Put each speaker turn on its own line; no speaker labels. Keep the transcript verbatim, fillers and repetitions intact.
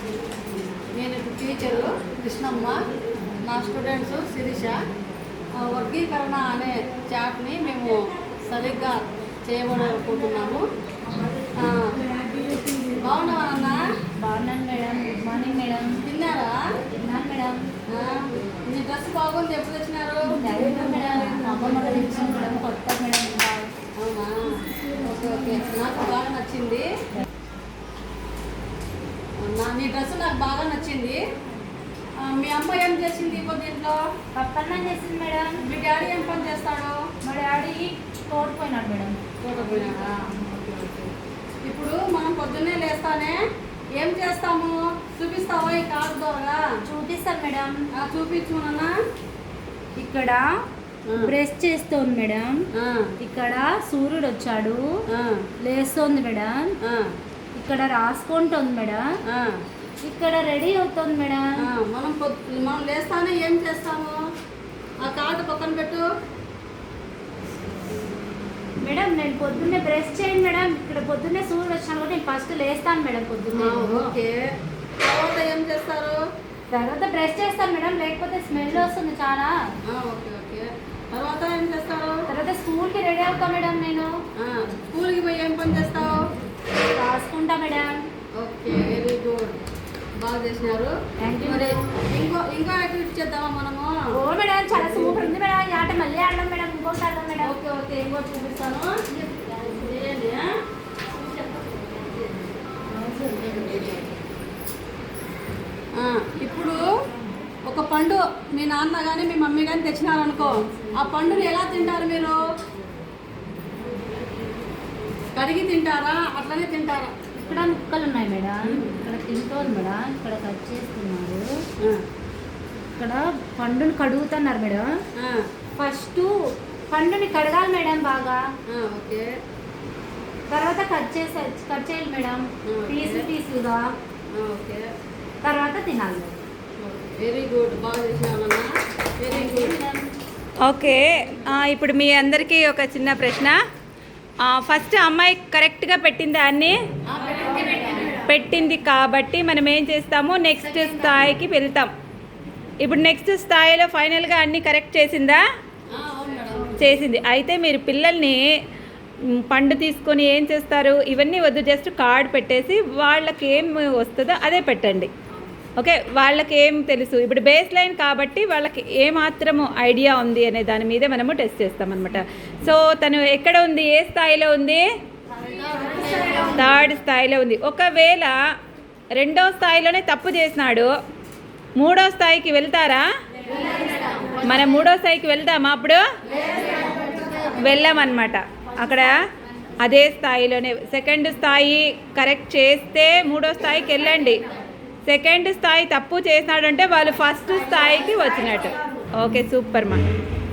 నేను ఇప్పుడు టీచరు కృష్ణమ్మ, నా స్టూడెంట్స్ శిరీష. వర్గీకరణ అనే చాట్ని మేము సరిగ్గా చేయబడుకుంటున్నాము. బాగున్నావా?
బాగున్నాను మేడం. Good morning madam.
తిన్నారా?
తిన్నాను మేడం.
మీ డ్రెస్ బాగుంది. ఎప్పుడు వచ్చినారు?
మేడం అమ్మమ్మ తెచ్చాను మేడం. కొత్త మేడం.
అవునా? ఓకే ఓకే, నాకు బాగా నచ్చింది. నా నీ డ్రెస్ నాకు బాగా నచ్చింది. మీ అమ్మ ఏం చేసింది ఇప్పుడు దీంట్లో?
పప్పన్నం చేసింది మేడం.
మీ డాడీ ఏం పని చేస్తాడు?
మా డాడీ తోడుపోయినాడు మేడం.
తోడుపోయినాడా? Okay okay. ఇప్పుడు మనం పొద్దున్నే లేస్తానే ఏం చేస్తాము? చూపిస్తావా ఈ కార్డు ద్వారా?
చూపిస్తాను మేడం.
చూపించు నాన్న.
ఇక్కడ బ్రష్ చేస్తోంది మేడం. ఇక్కడ సూర్యుడు వచ్చాడు, లేస్తోంది మేడం. ఇక్కడ రాసుకుంటుంది మేడం. ఇక్కడ రెడీ అవుతుంది మేడం.
మనం మనం లేస్తానే ఏం చేస్తాము? ఆ కార్డు పక్కన పెట్టు
మేడం. నేను పొద్దున్నే బ్రష్ చేయండి మేడం. ఇక్కడ పొద్దున్నే సూర్యుడు వచ్చాను కూడా నేను ఫస్ట్ లేస్తాను మేడం పొద్దున్నే.
ఓకే. తర్వాత ఏం చేస్తారు?
తర్వాత బ్రష్ చేస్తాను మేడం, లేకపోతే స్మెల్ వస్తుంది చాలా.
Okay okay. తర్వాత ఏం చేస్తారు?
తర్వాత స్కూల్కి రెడీ అవుతా మేడం. నేను
స్కూల్కి పోయి ఏం పని చేస్తావు?
రాసుకుంటా మేడం.
ఓకే, వెరీ గుడ్, బాగా చేసినారు. మరి ఇంకో ఇంకో యాక్టివిటీ చేద్దామా మనము?
ఓ మేడం, చాలా సూపర్ ఉంది మేడం. ఈ ఆట మళ్ళీ ఆడదాం మేడం. ఇంకోటి ఆడదాం మేడం.
ఓకే ఓకే, ఇంకోటి చూపిస్తాను. చేయండి. ఇప్పుడు ఒక పండు మీ నాన్న కానీ మీ మమ్మీ కానీ తెచ్చినారనుకో, ఆ పండుని ఎలా తింటారు మీరు? కడిగి తింటారా, అట్లనే తింటారా?
ఇక్కడ ముక్కలు ఉన్నాయి మేడం. ఇక్కడ తింటోంది మేడం. ఇక్కడ కట్ చేస్తున్నారు. ఇక్కడ పండుని కడుగుతున్నారు మేడం. ఫస్ట్ పండుని కడగాలి మేడం బాగా.
ఓకే.
తర్వాత కట్ చేసే కట్ చేయాలి మేడం, పీసు పీసులుగా.
ఓకే.
తర్వాత తినాలి.
వెరీ గుడ్, బాగా చేసినామన్నా. Very good.
ఓకే, ఇప్పుడు మీ అందరికీ ఒక చిన్న ప్రశ్న. ఫస్ట్ అమ్మాయి కరెక్ట్గా పెట్టింది అన్ని పెట్టింది కాబట్టి మనం ఏం చేస్తాము, నెక్స్ట్ స్థాయికి వెళ్తాం. ఇప్పుడు నెక్స్ట్ స్థాయిలో ఫైనల్గా అన్నీ కరెక్ట్ చేసిందా? చేసింది. అయితే మీరు పిల్లల్ని పండు తీసుకొని ఏం చేస్తారు, ఇవన్నీ వద్దు, జస్ట్ కార్డ్ పెట్టేసి వాళ్ళకి ఏం వస్తుందో అదే పెట్టండి. ఓకే, వాళ్ళకి ఏం తెలుసు, ఇప్పుడు బేస్ లైన్ కాబట్టి వాళ్ళకి ఏమాత్రము ఐడియా ఉంది అనే దాని మీద మనము టెస్ట్ చేస్తామన్నమాట. సో తను ఎక్కడ ఉంది, ఏ స్థాయిలో ఉంది? థర్డ్ స్థాయిలో ఉంది. ఒకవేళ రెండో స్థాయిలోనే తప్పు చేసినాడు, మూడో స్థాయికి వెళ్తారా? మనం మూడో స్థాయికి వెళ్దామా? అప్పుడు వెళ్ళామన్నమాట. అక్కడ అదే స్థాయిలోనే సెకండ్ స్థాయి కరెక్ట్ చేస్తే మూడో స్థాయికి వెళ్ళండి. సెకండ్ స్థాయి తప్పు చేసినాడంటే వాళ్ళు ఫస్ట్ స్థాయికి వచ్చినట్టు. ఓకే, సూపర్ మా.